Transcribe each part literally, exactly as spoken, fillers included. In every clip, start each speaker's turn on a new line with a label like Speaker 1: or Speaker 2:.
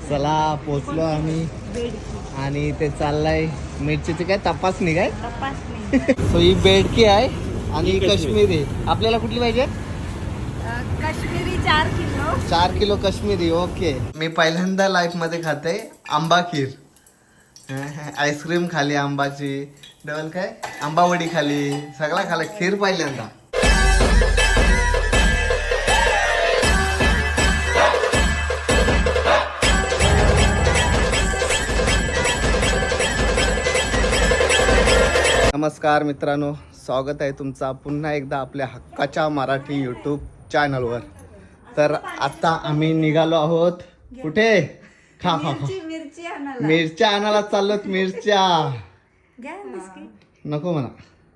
Speaker 1: चला पोचलो आम्ही आणि ते चाललंय मिरचीची काय तपासणी काय सो ही बेडकी आहे आणि ही काश्मीरी. आपल्याला कुठली पाहिजे?
Speaker 2: काश्मीरी चार किलो
Speaker 1: चार किलो काश्मीरी. ओके. मी पहिल्यांदा लाईफ मध्ये खाते आंबा खीर. आईस्क्रीम खाली आंबाची, डबल काय आंबावडी खाली, सगळा खाला. खीर पहिल्यांदा. नमस्कार मित्रांनो, स्वागत आहे तुमचा पुन्हा एकदा आपल्या हक्काच्या मराठी यूट्यूब चॅनलवर. तर आता आम्ही निघालो आहोत कुठे? खा खा खा
Speaker 2: मिरची आणायला.
Speaker 1: मिरच्या आणायला चाललोत. मिरच्या नको म्हणा,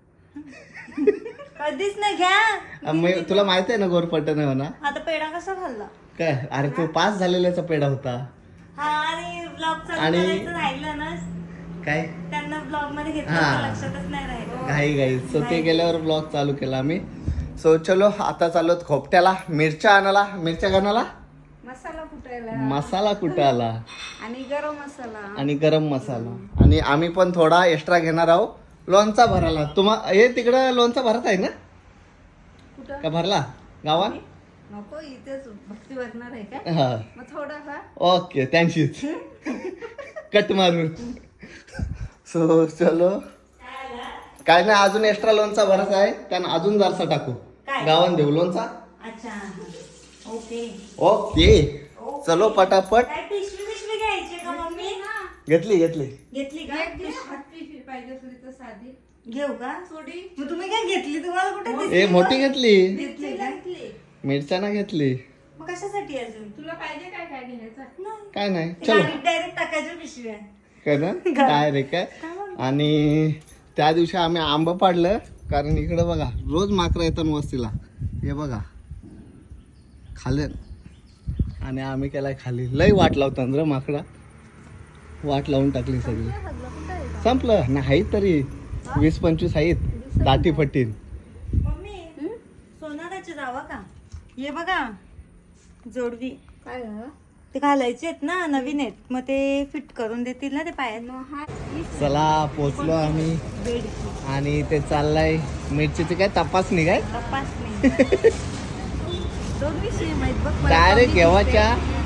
Speaker 2: कधीच नाही घ्या.
Speaker 1: मी तुला माहित आहे ना गोरपट्टन आहे म्हणा.
Speaker 2: आता पेढा कसा खाल्ला
Speaker 1: काय? अरे तो पास झालेल्याचा पेढा होता.
Speaker 2: हा आणि ब्लॉग चालू
Speaker 1: आणि-
Speaker 2: करायचं राहिलं ना,
Speaker 1: काय
Speaker 2: त्यांना ब्लॉग मध्ये घेतलं
Speaker 1: हा.
Speaker 2: तर लक्षातच नाही राहिलं.
Speaker 1: घाई घाई सो ते गेल्यावर ब्लॉग चालू केला आम्ही. सो चलो आता चाललोत खोपट्याला मिरच्या आणायला. मिरच्या आणायला
Speaker 2: मसाला कुटायला
Speaker 1: मसाला कुठं आला
Speaker 2: आणि गरम मसाला
Speaker 1: आणि गरम मसाला. आणि आम्ही पण थोडा एक्स्ट्रा घेणार आहोत लोणचा भरायला. तुम्हा हे तिकडं लोणचा भरत आहे ना?
Speaker 2: कुठं
Speaker 1: का भरला गावात?
Speaker 2: नको, इथेच भक्ती भरणार आहे का?
Speaker 1: हा
Speaker 2: मग थोडा का?
Speaker 1: ओके थँक्यूच. कट मारून. सो चलो. काय नाही, अजून एक्स्ट्रा लोणचा भरायचा आहे. त्यांना अजून जरसा टाकू
Speaker 2: काय?
Speaker 1: गावान देऊ लोणचा.
Speaker 2: अच्छा ओके.
Speaker 1: ओके चलो पटापट.
Speaker 2: काय पिशवी पिशवी घ्यायची का मम्मी?
Speaker 1: घेतली घेतली
Speaker 2: घेतली का? पिशवी पाहिजे असेल तर साधी घेऊ का? थोडी. मग तुम्ही काय घेतली? तुम्हाला कुठे दिसली?
Speaker 1: ए मोठी घेतली.
Speaker 2: घेतली का?
Speaker 1: मिरच्या ना घेतली.
Speaker 2: मग कशासाठी अजून? तुला पाहिजे काय काय घ्यायचं?
Speaker 1: काय नाही चलो
Speaker 2: डायरेक्ट टाकायच्या पिशव्या.
Speaker 1: काय ना काय रे काय. आणि त्या दिवशी आम्ही आंबा पाडलं कारण इकडे बघा रोज माकरं येतात वस्तीला. हे बघा खाले आणि आम्ही केलाय खाली. लय वाट लावतात र माकडा. वाट लावून टाकली सगळी. संपलं नाही तरी वीस पंचवीस आहेत दाटी फटीन.
Speaker 2: मम्मी सोनाराचे जावा का? ये बघा जोडवी काय ते घालायचे आहेत ना, नवीन आहेत. मग ते फिट करून देतील ना ते पायात.
Speaker 1: चला पोचलो आम्ही आणि ते चाललंय मिरचीची काय तपासणी काय
Speaker 2: तपासणी. दोन विषय माहित बघ मला.
Speaker 1: डायरेक्ट घेवाच्या.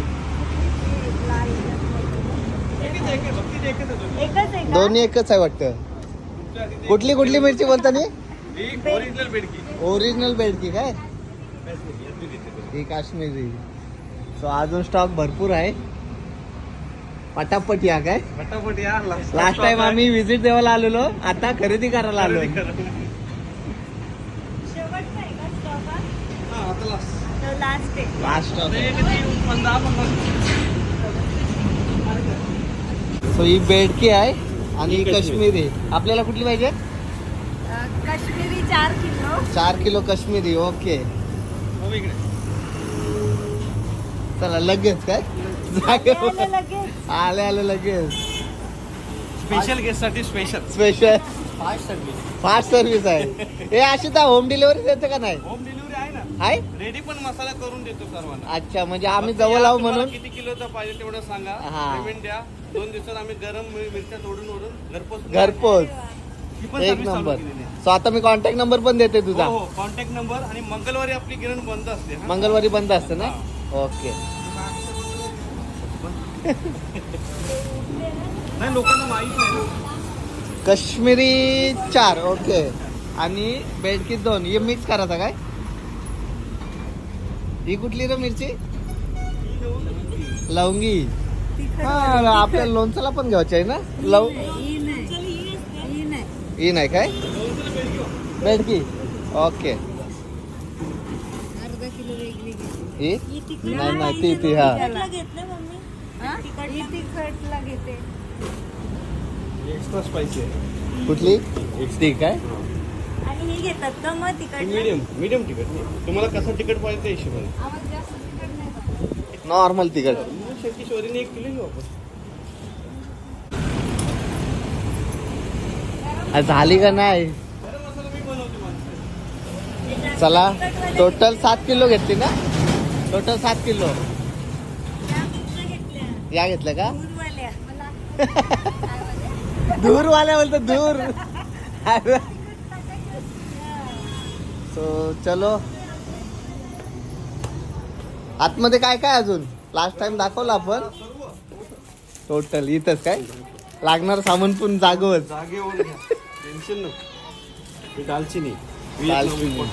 Speaker 2: एकच आहे का?
Speaker 1: दोन्ही एकच आहे वाटतं. कुठली कुठली मिरची बोलता नी?
Speaker 3: ओरिजिनल बेडकी.
Speaker 1: ओरिजिनल बेडकी काय? ही काश्मीरी. सो अजून स्टॉक भरपूर आहे. पटापट या काय.
Speaker 3: फटाफट या.
Speaker 1: लास्ट टाइम आम्ही विजिट द्यायला आलेलो, आता खरेदी करायला आलो.
Speaker 2: शेवटचा आहे का स्टॉक हा?
Speaker 3: हा, आता last.
Speaker 2: तो लास्ट आहे.
Speaker 1: Last stock.
Speaker 3: ते किती? पंधरा पंधरा.
Speaker 1: सो ही बेडकी आहे आणि ही काश्मीरी. आपल्याला कुठली पाहिजे?
Speaker 2: काश्मीरी चार किलो
Speaker 1: चार किलो काश्मीरी. ओके
Speaker 3: हो, इकडे.
Speaker 1: चला लगेच काय
Speaker 2: आलं लगेच.
Speaker 1: आले आले लगेच.
Speaker 3: स्पेशल गेस्ट साठी special
Speaker 1: special
Speaker 3: fast service.
Speaker 1: Fast service आहे. हे अशी तर होम डिलिव्हरी देते का नाही?
Speaker 3: होम डिलिव्हरी आहे ना.
Speaker 1: आहे.
Speaker 3: रेडी पण मसाला करून देतो सर्वांना.
Speaker 1: अच्छा म्हणजे आम्ही
Speaker 3: फक्त
Speaker 1: जवळ
Speaker 3: या,
Speaker 1: आहो
Speaker 3: तुम्हाला
Speaker 1: म्हणून.
Speaker 3: किती किलोचा पाहिजे तेवढं सांगा.
Speaker 1: हा.
Speaker 3: पेमेंट द्या. दोन दिवसात आम्ही गरम मिर- मिरच्या तोडून ओढून घरपोच
Speaker 1: घरपोच.
Speaker 3: ही पण
Speaker 1: एक
Speaker 3: सर्व्हिस चालू
Speaker 1: नंबर.
Speaker 3: केलेली आहे.
Speaker 1: सो आता मी कॉन्टॅक्ट नंबर पण देते तुझा.
Speaker 3: हो हो, कॉन्टॅक्ट नंबर. आणि मंगळवारी आपली गिरण बंद असते. हा?
Speaker 1: मंगळवारी बंद असते ना? ओके.
Speaker 3: नाही, लोकांना माहित नाही ना.
Speaker 1: काश्मीरी चार. ओके. आणि बेडकी दोन. हे मिक्स करायचा काय? ही कुठली रे मिरची? लवंगी. हा आपल्या लोणच्याला पण घ्यायची आहे ना लव. ही नाही काय बेडकी. ओके.
Speaker 2: अर्धा किलो वेगळी घेते.
Speaker 1: ही नाही नाही ती ती हा
Speaker 2: घेतले मम्मी. ही तिखटला घेते.
Speaker 3: एक्स्ट्रा स्पायसी आहे.
Speaker 1: कुठली ती काय?
Speaker 2: आणि हे घेतात का मग तिखट?
Speaker 3: मीडियम मीडियम तिखट. तुम्हाला कसं तिखट पाहिजे त्या हिशोबाने.
Speaker 2: आवाज जास्त तिखट नाही पाहिजे.
Speaker 1: नॉर्मल तिखट.
Speaker 3: शेवटी शोरीने एक किलो घेऊ आपण.
Speaker 1: झाली का नाही?
Speaker 3: गरम मसाला मी बनवतो माणसं.
Speaker 1: चला टोटल सात किलो घेतली ना? टोटल सात किलो. या घेतल्या का
Speaker 2: दूरवाल्या.
Speaker 1: दूरवाल्या बोलतो दूर सो चलो आतमध्ये काय काय अजून लास्ट टाइम दाखवलं आपण टोटल इथंच काय लागणार सामान पण जागोच
Speaker 3: जागेवर घ्या टेन्शन नको. दालचिनी
Speaker 1: दालचिनी.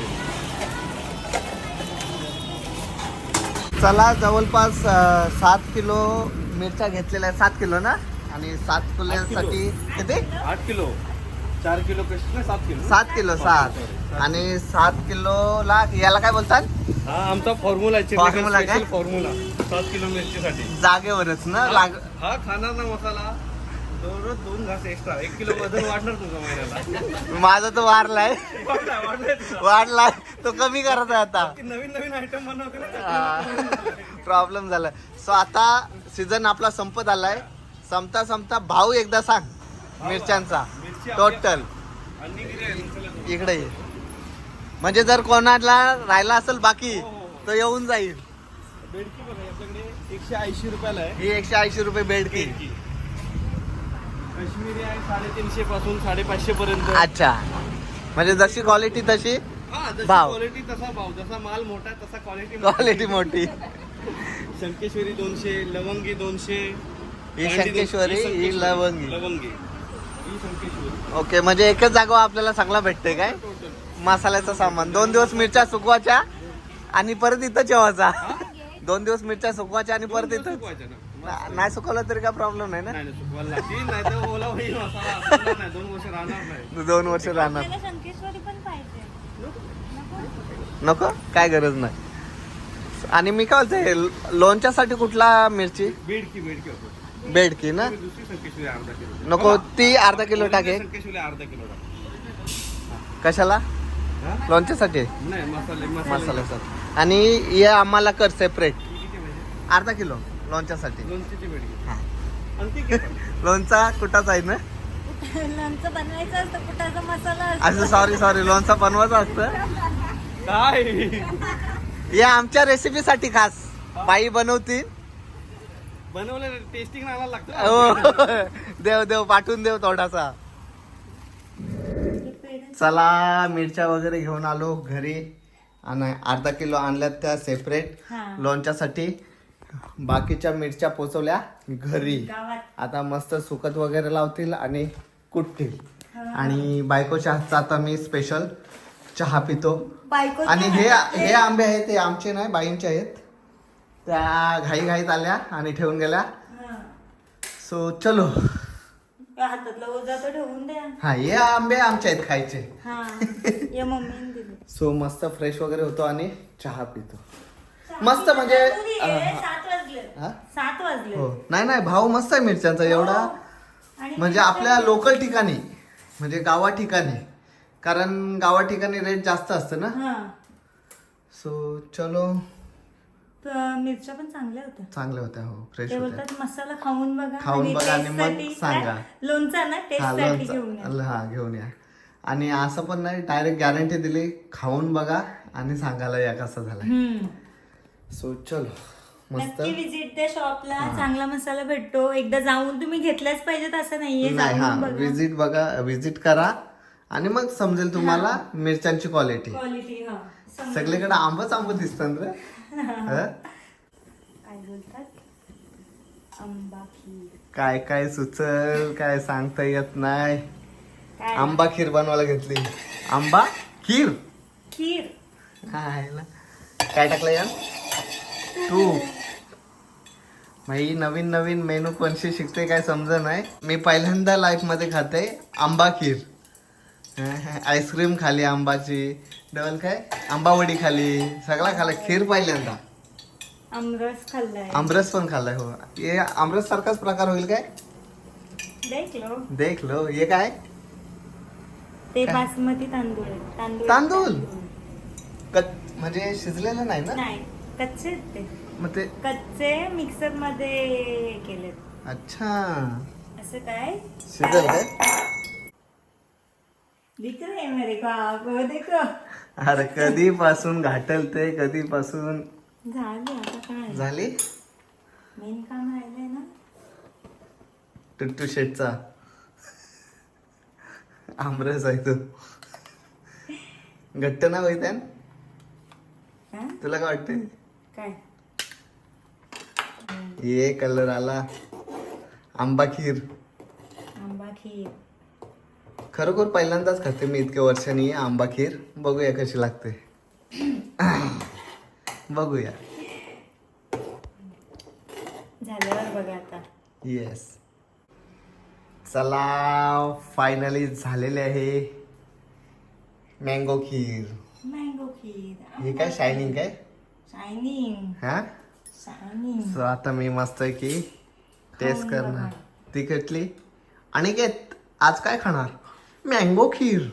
Speaker 1: चला जवळपास अं, सात किलो मिरच्या घेतलेल्या आहेत. सात किलो ना आणि सात किलोसाठी किती
Speaker 3: आठ किलो चार किलो कशी ना सात किलो
Speaker 1: सात किलो सात आणि सात किलोला याला काय बोलतात
Speaker 3: हा आमचा फॉर्म्युला आहे
Speaker 1: Formula काय?
Speaker 3: स्पेशल फॉर्म्युला सात किलो मिरचीसाठी.
Speaker 1: जागेवरच ना लाग
Speaker 3: हा खाणार ना मसाला दररोज दोन घास एक्स्ट्रा एक किलो वजन वाढणार तुझा महिन्याला.
Speaker 1: माझा तो वाढलाय
Speaker 3: वाढलाय वाढलाय तुझा.
Speaker 1: वाढलाय तो कमी करत आहे आता
Speaker 3: की नवीन नवीन आयटम बनवते ना.
Speaker 1: प्रॉब्लेम झाला सो आता सीझन आपला संपत आलाय संपता संपता भाव एकदा सांग मिरच्यांचा
Speaker 3: मिरची आपल्या-
Speaker 1: टोटल
Speaker 3: आणि किती आहे? चला.
Speaker 1: इकडे ये. म्हणजे जर कोणाला राहिला असेल बाकी
Speaker 3: हो, हो, हो.
Speaker 1: तो येऊन जाईल
Speaker 3: बेडकी बघा आपल्याकडे एकशे ऐंशी रुपयाला आहे.
Speaker 1: ही एकशे ऐंशी रुपये बेडकी
Speaker 3: बेडकी काश्मीरी आहे साडेतीनशे पासून साडेपाचशे पर्यंत.
Speaker 1: अच्छा म्हणजे जशी क्वालिटी तशी
Speaker 3: हा जशी
Speaker 1: भाव.
Speaker 3: क्वालिटी तसा भाव जसा माल मोठा तसा क्वालिटी
Speaker 1: क्वालिटी मोठी
Speaker 3: शंकेश्वरी दोनशे लवंगी दोनशे
Speaker 1: ही
Speaker 3: कांडी
Speaker 1: शंकेश्वरी,
Speaker 3: दोनशे,
Speaker 1: ही लवंगी.
Speaker 3: लवंगी ही शंकेश्वरी
Speaker 1: ओके म्हणजे एकच जागेवर आपल्याला चांगला भेटते काय
Speaker 3: टोटल
Speaker 1: मसाल्याचं सामान दोन दिवस मिरच्या सुकवायच्या आणि परत इथं जेवायचा दोन दिवस मिरच्या सुकवायच्या आणि परत इथं
Speaker 3: सुकवायचं ना.
Speaker 1: ना- नाही सुकवलं तरी काय प्रॉब्लेम नाही ना
Speaker 3: नाही नाही, सुकवायला लागतील नाही तर ओला होईल मसाला सुकणार नाही दोन वर्ष राहणार नाही.
Speaker 1: दोन वर्ष राहणार
Speaker 2: आपल्याला शंकेश्वरी पण पाहिजे.
Speaker 1: नको काय गरज नाही आणि मी काय बोलते लोणच्यासाठी कुठला मिरची
Speaker 3: बेडकी बेडकी होतो
Speaker 1: बेडकी ना
Speaker 3: दुसरी शंकेश्वरी अर्धा किलो
Speaker 1: नको ती अर्धा किलो टाके
Speaker 3: शंकेश्वरी अर्धा किलो टाक.
Speaker 1: कशाला
Speaker 3: हा?
Speaker 1: लोणच्यासाठी
Speaker 3: नाही मसाले मसाले
Speaker 1: मसाल्यासाठी आणि हे आम्हाला कर सेपरेट
Speaker 3: ही किती पाहिजे?
Speaker 1: अर्धा किलो लोणच्यासाठी
Speaker 3: लोणचीची बेडकी
Speaker 1: हा.
Speaker 3: आणि ती किती?
Speaker 1: लोणचा कुठाच आहे ना
Speaker 2: लोणचं बनवायचं असतं कुठाचा मसाला
Speaker 1: असं सॉरी सॉरी लोणचा बनवायचं असतं
Speaker 3: काय
Speaker 1: हे आमच्या रेसिपीसाठी खास बाई बनवतील
Speaker 3: बनवलं टेस्टिंग आणायला लागतं.
Speaker 1: हो देव देव पाठवून देव थोडासा चला मिरच्या वगैरे घेऊन आलो घरी आणि अर्धा किलो आणल्यात त्या सेपरेट
Speaker 2: हा.
Speaker 1: लोणच्यासाठी बाकीच्या मिरच्या पोचवल्या घरी
Speaker 2: गावात.
Speaker 1: आता मस्त सुकत वगैरे लावतील आणि कुटतील आणि बायकोच्या हातचा आता मी स्पेशल चहा पितो
Speaker 2: बायको
Speaker 1: आणि हे हे आंबे आहेत ते आमचे नाही बाईंचे आहेत त्या घाई घाईत आल्या आणि ठेवून गेल्या सो चलो
Speaker 2: हातातला ओझा तर ठेवून द्या.
Speaker 1: हा हे आंबे आमचे आहेत खायचे
Speaker 2: हा या मम्मीने दिले.
Speaker 1: सो मस्त फ्रेश वगैरे होतो आणि चहा पितो मस्त म्हणजे
Speaker 2: हे सात वाजले
Speaker 1: हा?
Speaker 2: सात वाजले
Speaker 1: हो नाही नाही भाव मस्त आहे मिरच्यांचा एवढा
Speaker 2: आणि
Speaker 1: म्हणजे आपल्या लोकल ठिकाणी म्हणजे गावा ठिकाणी कारण गावा ठिकाणी रेट जास्त असतं ना
Speaker 2: हा
Speaker 1: सो चलो
Speaker 2: तर मिरच्या पण चांगल्या होत्या.
Speaker 1: चांगल्या होत्या हो फ्रेश
Speaker 2: ते
Speaker 1: होत्या
Speaker 2: बोलतात मसाला खाऊन बघा
Speaker 1: खाऊन बघा आणि
Speaker 2: taste
Speaker 1: मग
Speaker 2: साठी
Speaker 1: सांगा.
Speaker 2: काय? लोणचा ना टेस्ट
Speaker 1: हा
Speaker 2: साठी घेऊन या.
Speaker 1: लोणचं हा घेऊन या आणि असं पण नाही डायरेक्ट गॅरंटी दिली खाऊन बघा आणि सांगायला या कसा झाला
Speaker 2: हम्म.
Speaker 1: सो चलो मस्त
Speaker 2: नक्की विजिट द्या शॉपला चांगला मसाला भेटतो एकदा जाऊन तुम्ही घेतल्याच पाहिजेत असं नाहीये
Speaker 1: नाही हा
Speaker 2: जाऊन बघा
Speaker 1: विजिट बघा विजिट करा आणि मग समजेल तुम्हाला मिरच्यांची क्वालिटी
Speaker 2: क्वालिटी हा समजा.
Speaker 1: सगळीकडे आंबच आंब दिसतात रे हं?
Speaker 2: काय बोलतात आंबा खीर
Speaker 1: काय काय सुचल काय सांगता येत नाही
Speaker 2: काय
Speaker 1: आंबा खीर बनवायला घेतली आंबा खीर
Speaker 2: खीर
Speaker 1: हाय ना. काय टाकलं यार तू भाई नवीन नवीन मेनू कोणशी शिकते काय समज नाही मी पहिल्यांदा लाईफ मध्ये खाते आंबा खीर आईस्क्रीम खाली आंबाची डबल काय आंबावडी खाली सगळा खाल्ला खीर पहिल्यांदा
Speaker 2: आमरस खाल्लाय
Speaker 1: आमरस पण खाल्लाय हो हे आमरस सारखाच प्रकार होईल काय
Speaker 2: देख लो
Speaker 1: देख लो हे काय
Speaker 2: ते बासमती तांदूळ आहेत. तांदूळ
Speaker 1: तांदूळ? कच म्हणजे शिजलेलं नाही ना
Speaker 2: नाही कच्चे आहेत ते
Speaker 1: मग ते
Speaker 2: कच्चे मिक्सर मध्ये केलेत
Speaker 1: अच्छा
Speaker 2: असं काय
Speaker 1: शिजेल काय
Speaker 2: दिख रहे हैं मेरे को आप वो देखो
Speaker 1: अरे कधीपासून घाटल ते कधीपासून
Speaker 2: झाली आता काय
Speaker 1: झाली
Speaker 2: मेन काम राहिलंय ना
Speaker 1: टुट्टू शेटचा आमरस आहे तो. घट्ट ना होईत
Speaker 2: हा?
Speaker 1: तुला काय वाटते?
Speaker 2: काय
Speaker 1: ये कलर आला. आंबा खीर
Speaker 2: आंबा खीर.
Speaker 1: खरोखर पहिल्यांदाच खाते मी इतक्या वर्षांनी आंबा खीर. बघूया कशी लागते. बघूया.
Speaker 2: झाल्यावर बघा आता.
Speaker 1: येस. चला फायनली झालेले आहे मँगो खीर.
Speaker 2: मँगो खीर.
Speaker 1: हे काय शायनिंग काय
Speaker 2: शायनिंग
Speaker 1: हा.
Speaker 2: शायनिंग.
Speaker 1: सो आता मी मस्त आहे की टेस्ट करणार. तिखटली. आणि काय आज काय खाणार? मँगो खीर.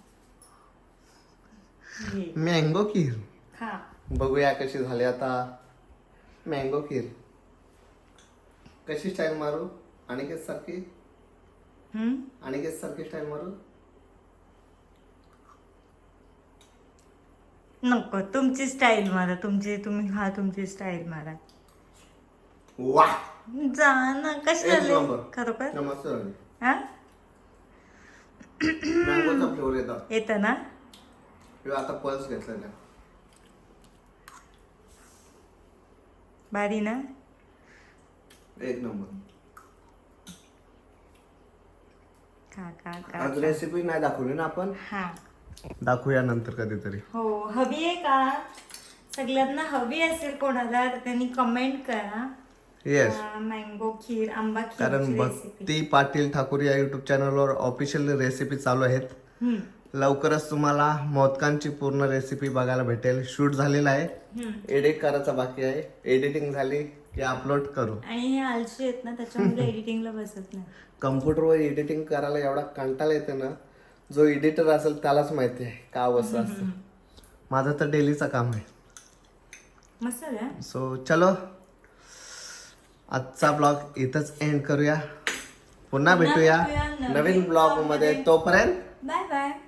Speaker 1: मँगो खीर.
Speaker 2: खा.
Speaker 1: बघूया कशी झाली आता मँगो खीर. कशी स्टाईल मारू? अनिकेत सारखी
Speaker 2: हम्म.
Speaker 1: अनिकेत सारखी स्टाईल मारू?
Speaker 2: नको, तुमची स्टाईल मारा. तुमची तुम्ही खा, तुमची स्टाईल मारा.
Speaker 1: वा
Speaker 2: जा ना. कशी
Speaker 1: एक
Speaker 2: झाली
Speaker 1: नंबर.
Speaker 2: खरोखर?
Speaker 1: मस्त झाली.
Speaker 2: हा
Speaker 1: मँगोचा फ्लेवर येतो.
Speaker 2: येतं ना.
Speaker 1: किंवा आता पल्स घेतलेला
Speaker 2: भारी ना.
Speaker 1: एक नंबर.
Speaker 2: खा खा खा.
Speaker 1: आज रेसिपी नाही दाखवली ना आपण.
Speaker 2: हा
Speaker 1: दाखवूया नंतर कधीतरी.
Speaker 2: हो. हवी आहे का? सगळ्यांना हवी असेल कोणाला तर त्यांनी कमेंट करा.
Speaker 1: येस.
Speaker 2: मँगो खीर, आंबा
Speaker 1: कारण
Speaker 2: खीर रेसिपी.
Speaker 1: भक्ती पाटील ठाकूर या युट्यूब चॅनलवर ऑफिशियल रेसिपी चालू आहेत. लवकरच तुम्हाला मोदकांची पूर्ण रेसिपी बघायला भेटेल. शूट झालेला आहे. एडिट करायचा बाकी आहे. एडिटिंग झाली की अपलोड करू.
Speaker 2: आणि हे आलशी आहेत ना त्याच्यामुळे एडिटिंगला बसत नाही.
Speaker 1: कम्प्युटरवर एडिटिंग करायला एवढा कंटाळा येते ना. जो एडिटर असेल त्यालाच माहिती आहे का अवस्था असते. माझं तर डेलीचं काम आहे.
Speaker 2: मस्त आहे.
Speaker 1: सो चलो आजचा ब्लॉग इथंच एंड करूया. पुन्हा भेटूया
Speaker 2: भेटूया नवीन
Speaker 1: नवीन ब्लॉग मध्ये. तोपर्यंत
Speaker 2: बाय बाय.